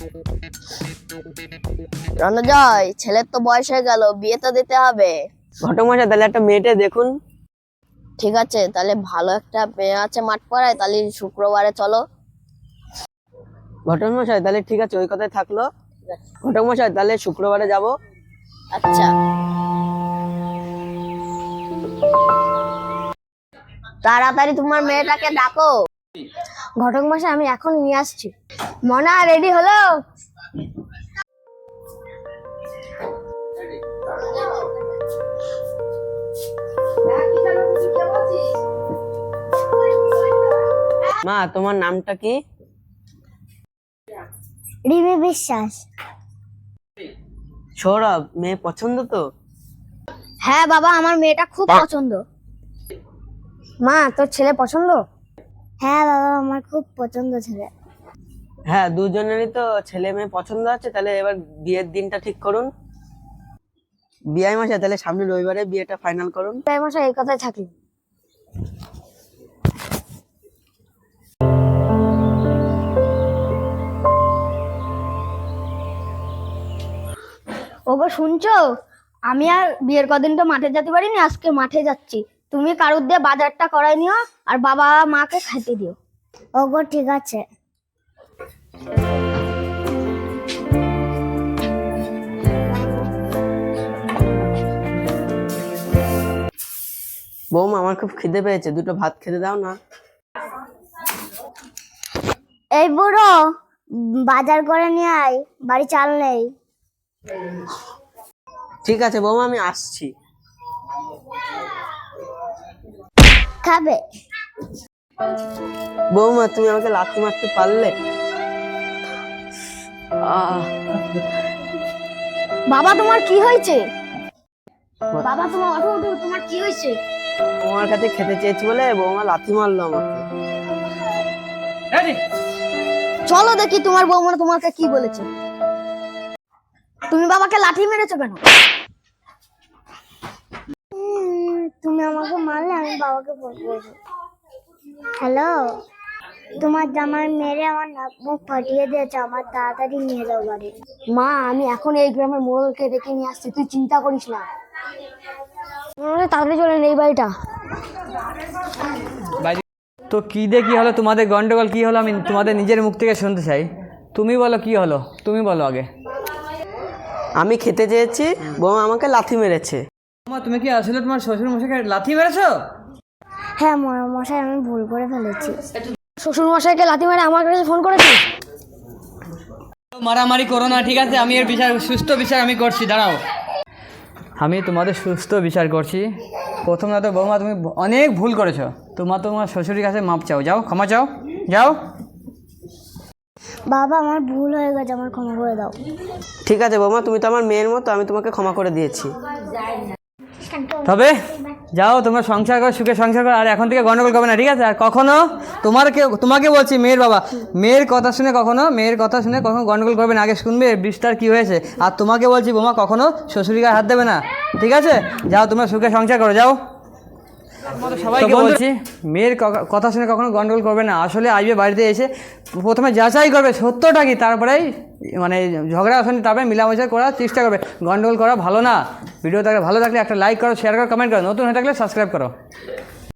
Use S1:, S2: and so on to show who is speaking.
S1: রণজয়, ছেলের তো বয়স হয়ে গেল, বিয়ে তো দিতে হবে।
S2: ঘটক মশাই তাহলে একটা মেয়েটে দেখুন।
S1: ঠিক আছে, তাহলে ভালো একটা মেয়ে আছে মাঠ পাড়ায়, তাহলে শুক্রবারে চলো।
S2: ঘটক মশাই তাহলে ঠিক আছে, ওই কথাই থাকলো। ঘটক মশাই তাহলে শুক্রবারে যাব।
S1: আচ্ছা, তাড়াতাড়ি তোমার মেয়েটাকে ডাকো। ঘটক মশাই, আমি এখন নিয়ে আসছি। মনা, রেডি হলো?
S2: মা, তোমার নামটা কি?
S1: রিমি বিশ্বাস।
S2: সৌরভ, মেয়ে পছন্দ তো?
S1: হ্যাঁ বাবা, আমার মেয়েটা খুব পছন্দ। মা, তোর ছেলে পছন্দ? হ্যাঁ বাবা, আমার খুব পছন্দ ছেলে।
S2: হ্যাঁ, দুজনেরই তো ছেলে মেয়ে পছন্দ আছে। তাহলে এবার বিয়ের দিনটা ঠিক করুন। বিআই মশাই তাহলে সামনে রবিবারে বিয়েটা ফাইনাল করুন।
S1: তাই মশাই, এই কথাই থাকলো। ওগো শুনছো? আমি আর বিয়ের কদিন তো মাঠে যেতে পারিনি, আজকে মাঠে যাচ্ছি। তুমি কারুর দিয়ে বাজারটা করাই নিও, আর বাবা মাকে খাইতে দিও। ওগো ঠিক আছে।
S2: বৌমা, আমার খুব খিদে পেয়েছে, দুটো ভাত খেতে দাও না।
S1: এই বুড়ো, বাজার করে নিয়ে আয়, বাড়ি চাল নেই।
S2: ঠিক আছে বৌমা, আমি আসছি।
S1: খাবে?
S2: বৌমা, তুমি আমাকে লাথি মারতে পারলে?
S1: বাবা, তোমার কি হয়েছে? বাবা, তোমার ওঠো ওঠো, তোমার কি হয়েছে?
S2: তোমার কাছে খেতে চেয়েছি বলে বৌমা লাথি মারলো আমাকে।
S1: চলো দেখি তোমার বৌমা তোমাকে কি বলেছে। তুমি বাবাকে লাঠি মেরেছো কেন? তুমি আমাকে মারলে, আমি বাবাকে ফোন করবো। হ্যালো, তোমার জামাই মেরে আমার নাক মুখ ফাটিয়ে দিয়েছে, আমার তাড়াতাড়ি নিয়ে যাও বাড়ি। মা, আমি এখন এই গ্রামের মোড়লকে ডেকে নিয়ে আসছি, তুই চিন্তা করিস না। তাড়াতাড়ি চলেন এই বাড়িটা।
S3: তো কি দিয়ে কি হলো, তোমাদের গন্ডগোল কি হলো আমি তোমাদের নিজের মুখ থেকে শুনতে চাই। তুমি বলো কি হলো, তুমি বলো আগে।
S2: আমি খেতে চেয়েছি, বৌমা আমাকে লাথি মেরেছে।
S3: তুমি কি আসলে তোমার শ্বশুর মশাইকে লাথি মেরেছো?
S1: হ্যাঁ মশাই, আমি ভুল করে ফেলেছি। শ্বশুর মশাইকে লাথি মেরে আমার কাছে ফোন করেছিস?
S3: মারামারি করো না, ঠিক আছে? আমি এর বিচার, সুস্থ বিচার আমি করছি, দাঁড়াও। আমি তোমাদের সুস্থ বিচার করছি। প্রথমত বৌমা, তুমি অনেক ভুল করেছো। তোমার শ্বশুরের কাছে মাপ চাও, যাও ক্ষমা চাও, যাও।
S1: বাবা, আমার ভুল হয়ে গেছে, আমার ক্ষমা করে দাও।
S2: ঠিক আছে বৌমা, তুমি তো আমার মেয়ের মতো, আমি তোমাকে ক্ষমা করে দিয়েছি।
S3: তবে যাও, তোমরা সংসার করো, সুখে সংসার করো, আর এখন থেকে গন্ডগোল করবে না, ঠিক আছে? আর কখনো তোমাকে বলছি, মেয়ের বাবা, মেয়ের কথা শুনে কখনো গন্ডগোল করবে না। আগে শুনবে বিস্তার কি হয়েছে। আর তোমাকে বলছি বোমা, কখনো শ্বশুরের গায়ে হাত দেবে না, ঠিক আছে? যাও, তোমরা সুখে সংসার করো, যাও। সবাইকে বলছি, মেয়ের কথা শুনে কখনো গন্ডগোল করবে না। আসলে আসবে বাড়িতে এসে প্রথমে যাচাই করবে সত্যটা কি, তারপরেই মানে ঝগড়া আসলে তারপরে মিলামেশা করার চেষ্টা করবে। গন্ডগোল করা ভালো না। ভিডিও ভালো থাকলে একটা লাইক করো, শেয়ার করো, কমেন্ট করো। নতুন হয়ে থাকলে সাবস্ক্রাইব করো।